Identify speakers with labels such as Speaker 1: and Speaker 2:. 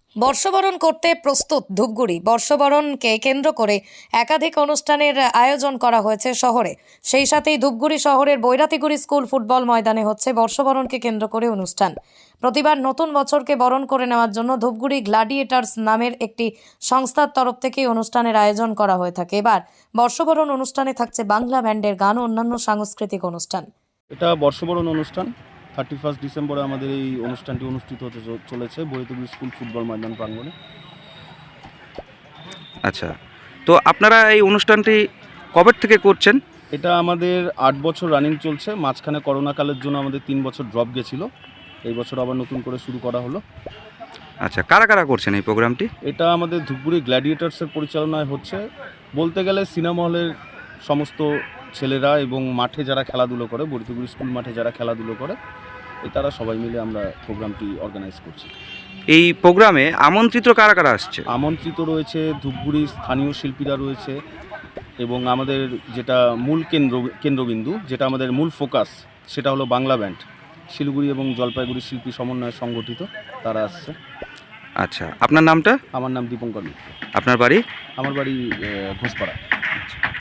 Speaker 1: বর্ষবরণ করতে প্রস্তুত ধূপগুড়ি। বর্ষবরণকে কেন্দ্র করে একাধিক অনুষ্ঠানের আয়োজন করা হয়েছে শহরে। সেই সাথেই ধূপগুড়ি শহরের বৈরাতিগুড়ি স্কুল ফুটবল ময়দানে হচ্ছে বর্ষবরণকে কেন্দ্র করে অনুষ্ঠান। প্রতিবার নতুন বছরকে বরণ করে নেওয়ার জন্য ধূপগুড়ি গ্ল্যাডিয়েটার্স নামের একটি সংস্থার তরফ থেকে অনুষ্ঠানের আয়োজন করা হয়ে থাকে। এবার বর্ষবরণ অনুষ্ঠানে থাকছে বাংলা ব্যান্ডের গান ও অন্যান্য সাংস্কৃতিক অনুষ্ঠান।
Speaker 2: এটা বর্ষবরণ অনুষ্ঠান। 31 ডিসেম্বরে আমাদের এই অনুষ্ঠানটি অনুষ্ঠিত হতে চলেছে বৈরাতিগুড়ি স্কুল ফুটবল ময়দান প্রাঙ্গণে।
Speaker 3: আচ্ছা, তো আপনারা এই অনুষ্ঠানটি কবে থেকে করছেন?
Speaker 2: এটা আমাদের 8 বছর রানিং চলছে। মাঝখানে করোনাকালের জন্য আমাদের 3 বছর ড্রপ গেছিলো। এই বছর আবার নতুন করে শুরু করা হলো।
Speaker 3: আচ্ছা, কারা কারা করছেন এই প্রোগ্রামটি?
Speaker 2: এটা আমাদের ধূপগুড়ি গ্ল্যাডিয়েটার্সের পরিচালনায় হচ্ছে। বলতে গেলে সিনেমা হলের সমস্ত ছেলেরা এবং মাঠে যারা খেলাধুলো করে, বৈরাতিগুড়ি স্কুল মাঠে যারা খেলাধুলো করে, তারা সবাই মিলে আমরা প্রোগ্রামটি অর্গানাইজ করছি।
Speaker 3: এই প্রোগ্রামে আমন্ত্রিত কারা কারা আসছে?
Speaker 2: আমন্ত্রিত রয়েছে ধূপগুড়ির স্থানীয় শিল্পীরা রয়েছে এবং আমাদের যেটা মূল কেন্দ্রবিন্দু, যেটা আমাদের মূল ফোকাস, সেটা হলো বাংলা ব্যান্ড। শিলিগুড়ি এবং জলপাইগুড়ি শিল্পী সমন্বয়ে সংগঠিত তারা আসছে।
Speaker 3: আচ্ছা, আপনার নামটা?
Speaker 2: আমার নাম দীপঙ্কর মিত্র।
Speaker 3: আপনার বাড়ি?
Speaker 2: আমার বাড়ি ঘোষপাড়া।